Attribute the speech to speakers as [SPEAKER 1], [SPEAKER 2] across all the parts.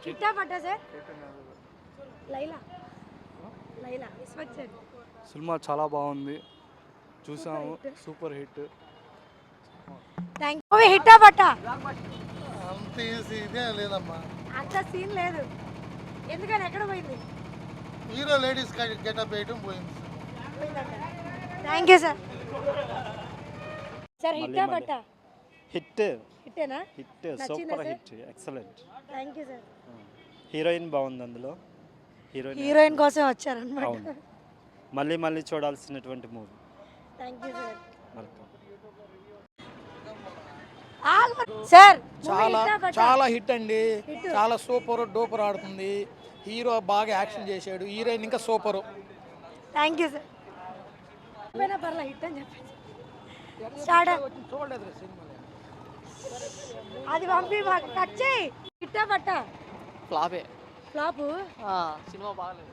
[SPEAKER 1] హిట్టా పట్టా sir? Laila Laila smart sir
[SPEAKER 2] సినిమా చాలా బాగుంది, చూసాము, super hit.
[SPEAKER 1] Thank you. Movie హిట్టా పట్టా?
[SPEAKER 3] అంత ఇదే లేదమ్మా.
[SPEAKER 1] అంత సీన్ లేదు, ఎందుకని ఎక్కడ పోయింది?
[SPEAKER 3] హీరో లేడీస్ గెటప్ వేయడం పోయింది.
[SPEAKER 1] Thank you sir. సార్ హిట్టా పట్టా?
[SPEAKER 4] హిట్.
[SPEAKER 1] హిట్టేనా?
[SPEAKER 4] Hit, super hit, excellent.
[SPEAKER 1] Thank you sir.
[SPEAKER 4] Heroine బాగుంది అందులో.
[SPEAKER 1] హీరోయిన్ కోసం వచ్చారన్నమాట.
[SPEAKER 4] అవును, మళ్ళీ మళ్ళీ చూడాల్సినటువంటి movie.
[SPEAKER 1] Thank you sir.
[SPEAKER 4] Welcome.
[SPEAKER 1] Sir
[SPEAKER 5] చాలా హిట్ అండి. చాలా సూపర్ డూపర్ ఆడుతుంది. హీరో బాగా యాక్షన్ చేశాడు, హీరోయిన్ ఇంకా సూపర్.
[SPEAKER 1] Thank you sir. పర్లా హిట్ అని చెప్పేసి స్టార్ట్.
[SPEAKER 5] చూడలేదు సినిమా,
[SPEAKER 1] అది పంపి మాకు కట్ చేయి. హిట్టా పట్టా?
[SPEAKER 6] ఫ్లాపే.
[SPEAKER 1] ఫ్లాపు?
[SPEAKER 6] సినిమా బాగలేదు.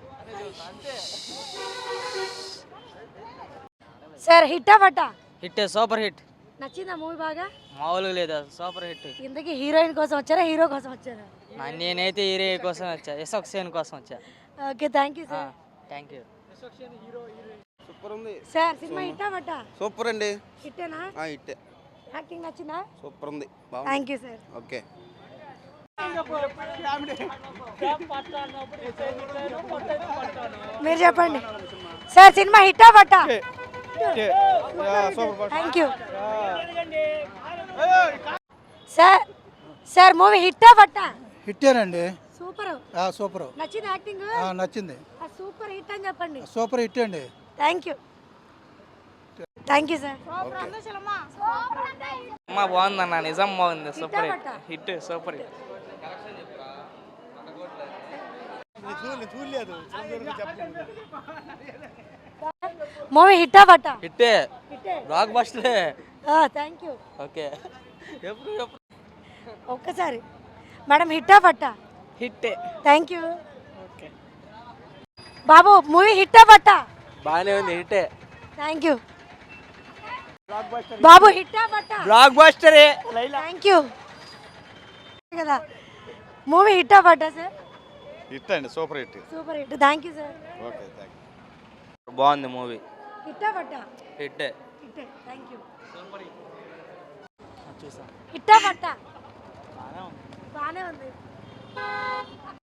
[SPEAKER 1] సార్ హిట్టా పట్టా?
[SPEAKER 6] Hit, super hit.
[SPEAKER 1] నచ్చిందా మూవీ బాగా?
[SPEAKER 6] మామూలుగా లేదా, సూపర్ హిట్.
[SPEAKER 1] ఇంతకీ హీరోయిన్ కోసం వచ్చారా హీరో కోసం వచ్చారా?
[SPEAKER 6] నేనైతే హీరో కోసం వచ్చా, యశోక్సేన్ కోసం వచ్చా.
[SPEAKER 1] Okay thank you sir.
[SPEAKER 6] Thank you.
[SPEAKER 7] Super ఉంది
[SPEAKER 1] సార్ సినిమా హిట్టా పట్టా?
[SPEAKER 7] సూపర్ అండి.
[SPEAKER 1] హిట్టేనా?
[SPEAKER 7] హిట్టే.
[SPEAKER 1] యాక్టింగ్ నచ్చిందా?
[SPEAKER 7] సూపర్ ఉంది.
[SPEAKER 1] Thank you sir.
[SPEAKER 7] ఓకే.
[SPEAKER 1] మీరు చెప్పండి సార్, సినిమా హిట్టా పట్టా? Thank you sir. Sir movie హిట్టా పట్టా?
[SPEAKER 5] హిట్టేనండి.
[SPEAKER 1] సూపర్.
[SPEAKER 5] సూపర్
[SPEAKER 1] నచ్చింది యాక్టింగ్?
[SPEAKER 5] నచ్చింది.
[SPEAKER 1] సూపర్ హిట్ అని చెప్పండి.
[SPEAKER 5] సూపర్ హిట్ అండి.
[SPEAKER 1] Thank you. Thank you sir.
[SPEAKER 6] అమ్మా బాగుందన్న, నిజం బాగుంది. సూపర్
[SPEAKER 1] హిట్టా పట్టా?
[SPEAKER 6] Hit, super hit.
[SPEAKER 1] మూవీ హిట్టా పట్టా?
[SPEAKER 6] హిట్టే,
[SPEAKER 1] హిట్టే.
[SPEAKER 6] బ్లాక్ బస్టరే.
[SPEAKER 1] Thank you.
[SPEAKER 6] ఓకే.
[SPEAKER 1] ఒక్కసారి మేడం హిట్టా పట్టా?
[SPEAKER 6] హిట్టే.
[SPEAKER 1] Thank you.
[SPEAKER 6] ఓకే.
[SPEAKER 1] బాబు మూవీ హిట్టా పట్టా?
[SPEAKER 6] బాగానే ఉంది, హిట్టే.
[SPEAKER 1] Thank you. బాబు హిట్టా పట్టా?
[SPEAKER 6] బ్లాక్ బస్టరే.
[SPEAKER 1] థ్యాంక్ యూ కదా. మూవీ హిట్టా పట్టా సార్?
[SPEAKER 7] హిట్ అండి, super hit.
[SPEAKER 1] Super hit. Thank you sir.
[SPEAKER 7] Okay, thank you.
[SPEAKER 6] బాగుంది మూవీ.
[SPEAKER 1] హిట్టా పట్టా?
[SPEAKER 6] హిట్టే.
[SPEAKER 1] హిట్టే. Thank you.
[SPEAKER 4] చూసాం,
[SPEAKER 1] హిట్టా పట్టా?
[SPEAKER 4] బాగానే ఉంది.
[SPEAKER 1] బాగానే ఉంది.